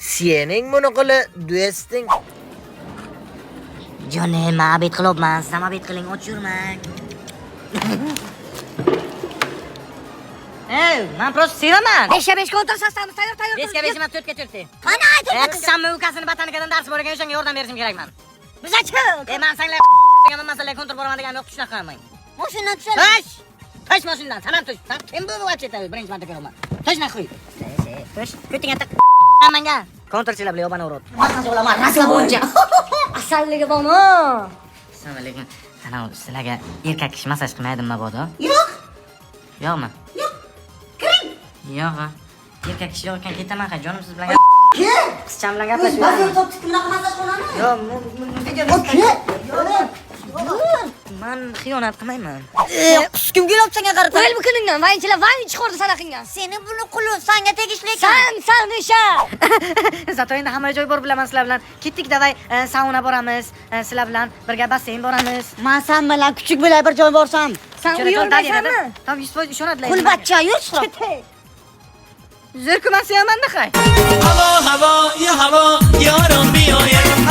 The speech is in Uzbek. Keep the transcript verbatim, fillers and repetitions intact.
Sening buni qili do'sting. Jonim, men abid qilibman. Siz ham abid qiling, och yurmang. Ey, men prosta sevaman. beshga beshga o'tirsasizmi? Tayyor, tayyor. beshga besh emas, to'rtga to'rt. Qani aytib? E, qizsamni ukasini botanikadan dars bor ekan, o'shanga yordam berishim kerakman. Bizachi? E, men sanglar degan masalaga kontur boraman degan yo'q, shunaqa qilmang. Mashinadan tushadi. Tosh! Tosh mashinadan, sanam tosh. Sen kim bu vacheta? Birinchi marta ko'raman. Toshna qo'y. Tosh, ko'tingga tiq. Menga kontrchilar bilan yobana urib. Masaj olaman, rasla bo'yicha. Asalligi bormi? Assalomu alaykum. Ana sizlarga erkak kishi masaj qilmaydimi mabodo? Yo'q. Yo'qmi? Yo'q. Kiring. Yo'q. Erkak kishi yo'q ekan, ketaman ha, jonim siz bilan Kim? qizcham bilan Biz gaplashib. bazir topdik, bunaqa masaj qilaman. Yo'q, video Yo'q. men xiyonat qilmayman. Quskim kelyapti senga qarata. Qo'yil bukuningdan, vayinchilar vayin chiqardi sana qilgan. Seni buni quli senga tegishli ekan. San, san desha. Zato endi hamma joy bor bilaman sizlar bilan. Ketdik davay, sauna boramiz. Sizlar bilan birga basseyn boramiz. Men sen bilan kuchuk bo'lay bir joy borsam. Sen uyolmaysanmi? Tam yuz foiz ishonadilar. Qulbatcha yur chiqib. Zirkuman sevaman-da, hay. هوا هوا یا هوا یارم بیاید